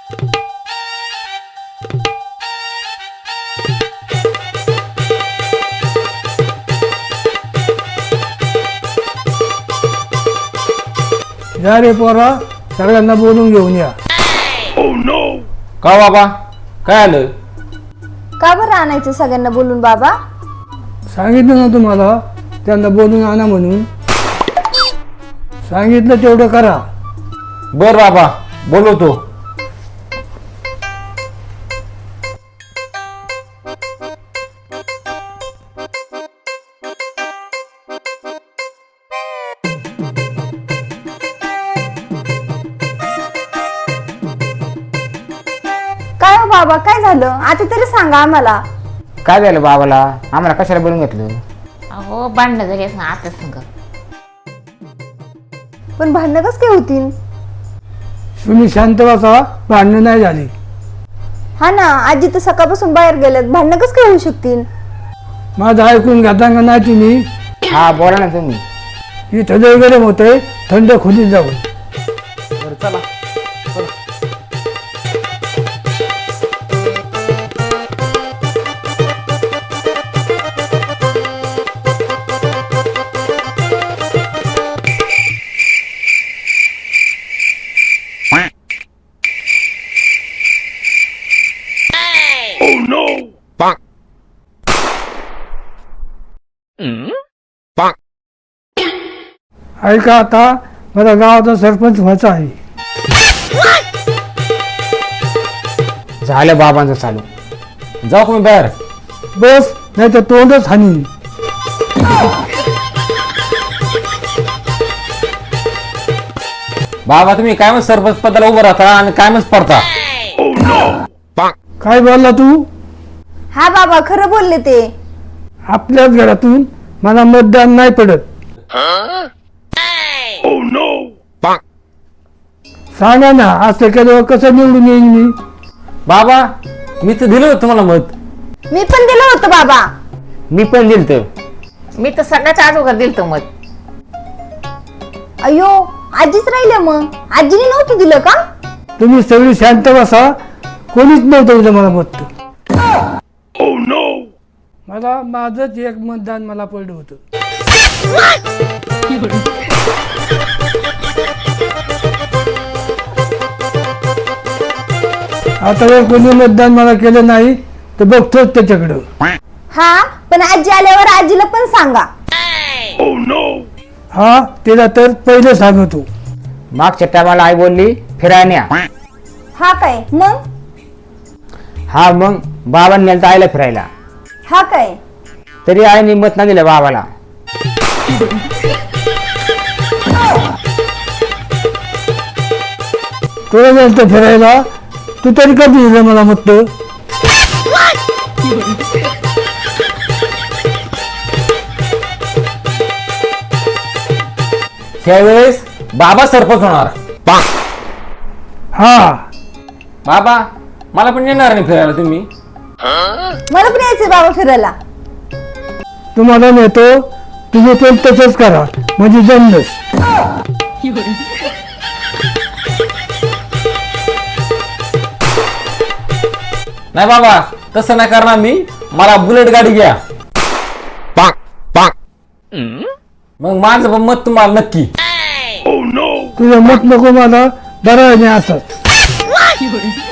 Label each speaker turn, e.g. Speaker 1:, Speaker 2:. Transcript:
Speaker 1: या रे पोरा, सगळ्यांना बोलून घेऊन या.
Speaker 2: का बाबा, काय आलं?
Speaker 3: का बरं आणायचं सगळ्यांना बोलून बाबा?
Speaker 1: सांगितलं ना तुम्हाला त्यांना बोलून आणा म्हणून. सांगितलं तेवढं करा.
Speaker 2: बर बाबा, बोलवतो.
Speaker 3: काय हो बाबा, काय झालं आता तरी सांगा आम्हाला.
Speaker 2: काय झालं बाबाला? आम्हाला कशाला बोलून घेतलं?
Speaker 4: अहो भांडणं झाली असं आता संग.
Speaker 3: पण भांडणं कसं काय होतील?
Speaker 1: तुम्ही शांत बसा, भांडणं नाही झाली.
Speaker 3: हा ना, आजी तर सकाळपासून बाहेर गेल्यात, भांडणं कसं काय होऊ शकतील?
Speaker 1: माझं ऐकून घेता का नाही तुम्ही?
Speaker 2: हा बोला ना तुम्ही.
Speaker 1: इथं लय गरम होतंय, थंड खोलीत जाऊ.
Speaker 2: बरं चला.
Speaker 1: ऐका, आता मला गावाचा सरपंच व्हायचा आहे.
Speaker 2: झालं बाबांचं चालू. जाऊ तुम्ही बाहेर.
Speaker 1: बस, नाही तर तोंडच हानी.
Speaker 2: बाबा तुम्ही काय मग सरपंच पदाला उभं राहता आणि काय मग पडता.
Speaker 1: काय बोलला तू?
Speaker 3: हा बाबा, खरं बोलले ते.
Speaker 1: आपल्याच घरातून मला मतदान नाही पडत. सांगा ना, असं केल्यावर कसं निवडून येईन मी?
Speaker 2: बाबा मी तर दिलं होतं तुम्हाला मत.
Speaker 3: मी पण दिलं होतं बाबा.
Speaker 2: मी पण दिलं तर.
Speaker 4: मी तर सगळ्यात अगोदर दिलतो मत.
Speaker 3: अयो, आजीच राहिले मग. आजीने नव्हतं दिलं का?
Speaker 1: तुम्ही सगळी शांत बसा. कोणीच नव्हतं दिलं मला मत. मला माझंच एक मतदान मला पडलं होतं. आता जर कोणी मतदान मला केलं नाही तर बघतोच त्याच्याकडं.
Speaker 3: हा, पण आजी आल्यावर आजीला पण सांगा.
Speaker 1: हा, तिला तर पहिले सांगतो.
Speaker 2: मागच्या टायमाला आई बोलली फिरायला न्या.
Speaker 3: हा काय मग?
Speaker 2: हा मग बाबांनी नेलं तर आईला फिरायला.
Speaker 3: हा काय?
Speaker 2: तरी आईने मत नाही दिलं बाबाला.
Speaker 1: तुला गेलं फिरायला, तू तरी कधी दिलं मला मत?
Speaker 2: त्यावेळेस बाबा सरपंच होणार.
Speaker 1: हा,
Speaker 2: बाबा मला पण येणार नाही फिरायला तुम्ही.
Speaker 3: मला पण यायचंय बाबा फिरायला.
Speaker 1: तुम्हाला नेतो, तुम्ही पण तसंच करा म्हणजे जमलंच.
Speaker 2: नाही बाबा तसं नाही करणार मी. मला बुलेट गाडी घ्या. मग माझं पण मत तुम्हाला नक्की.
Speaker 1: तुझं मत नको मला, बरं नाही असंच.